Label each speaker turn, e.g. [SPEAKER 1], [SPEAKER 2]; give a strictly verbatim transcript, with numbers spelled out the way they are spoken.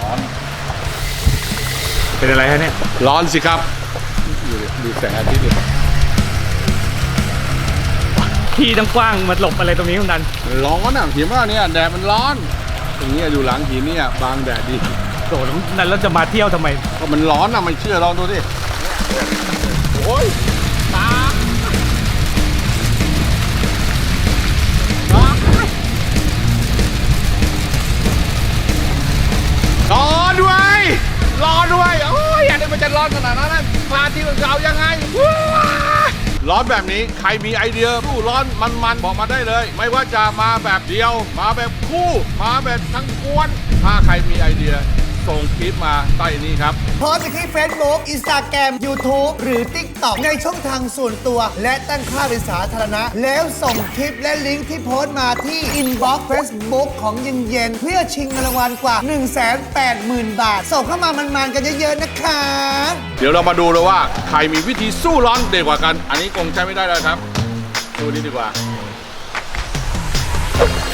[SPEAKER 1] ร้อน
[SPEAKER 2] เป็นอะไรฮะเนี่ย
[SPEAKER 1] ร้อนสิครับดูดูแสงอาทิตย์ดิ
[SPEAKER 2] ที่ตั้งกว้างมาหลบอะไรตรงนี้คุณดัน
[SPEAKER 1] มันร้อนอ่ะเห็นว่าเนี่ยแดดมันร้อนตรงนี้อยู่หลังหินเนี่ยบางแดดดี
[SPEAKER 2] โดดนั้นแล้วจะมาเที่ยวทำไม
[SPEAKER 1] ก็มันร้อนอ่ะไม่เชื่อลองดูดิโอ้ยตาร้อนด้วยร้อนด้วยโอ้ยอันนี้มันจะร้อนขนาดนั้นนะพาที่เรายังไงร้อนแบบนี้ใครมีไอเดียผู้ร้อนมันๆบอกมาได้เลย ไม่ว่าจะมาแบบเดียว มาแบบคู่มาแบบทั้งกวน ถ้าใครมีไอเดียส่งคลิปมาใต้นี้ครับ
[SPEAKER 3] โพสต์ไปที่ Facebook Instagram YouTube หรือ TikTok ในช่องทางส่วนตัว และตั้งค่าเป็นสาธารณะ แล้วส่งคลิปและลิงก์ที่โพสต์มาที่ Inbox Facebook ของเย็นเย็นๆเพื่อชิงเงินรางวัลกว่า หนึ่งแสนแปดหมื่น บาท ส่งเข้ามามันๆกันเยอะๆนะคะ
[SPEAKER 1] เดี๋ยวเรามาดูเลยว่าใครมีวิธีสู้ร้อนเด็ดกว่ากัน อันนี้คงใช้ไม่ได้แล้วครับ ดูนี้ดีกว่า